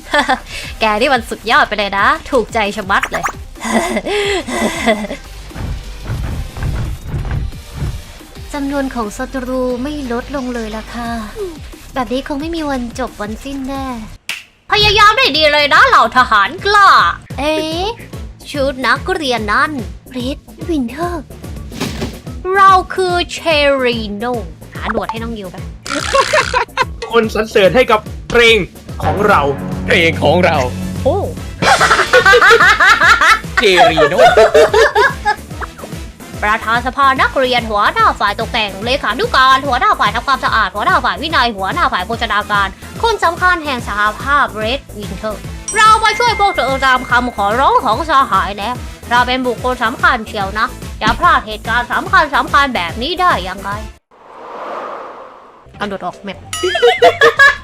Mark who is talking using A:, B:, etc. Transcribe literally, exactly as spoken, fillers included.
A: แกนี่มันสุดยอดไปเลยนะถูกใจชะมัดเลย จำนวนของศัตรูไม่ลดลงเลยล่ะค่ะแบบนี้คงไม่มีวันจบวันสิ้นแน่พยายามได้ดีเลยนะเหล่าทหารกล้าเอ๊ะชุดนักเรียนนั่นเรดวินเทอร์เราคือเชรีโนหาหนวดให้น้องยิวไป
B: คนสรรเสริญให้กับเพลงของเรา
C: เพลงของเรา
A: โอ้
C: เจรีโน
A: ประธานสภานักเรียนหัวหน้าฝ่ายตกแต่งเลขานุการหัวหน้าฝ่ายทำความสะอาดหัวหน้าฝ่ายวินัยหัวหน้าฝ่ายโภชนาการคนสำคัญแห่งสหภาพเรดวินเทอร์เรามาช่วยพวกเธอตามคำขอร้องของสหายแล้วเราเป็นบุคคลสำคัญเชียวนะอย่าพลาดเหตุการณ์สำคัญสำคัญแบบนี้ได้ยังไงกระโดดออกแมป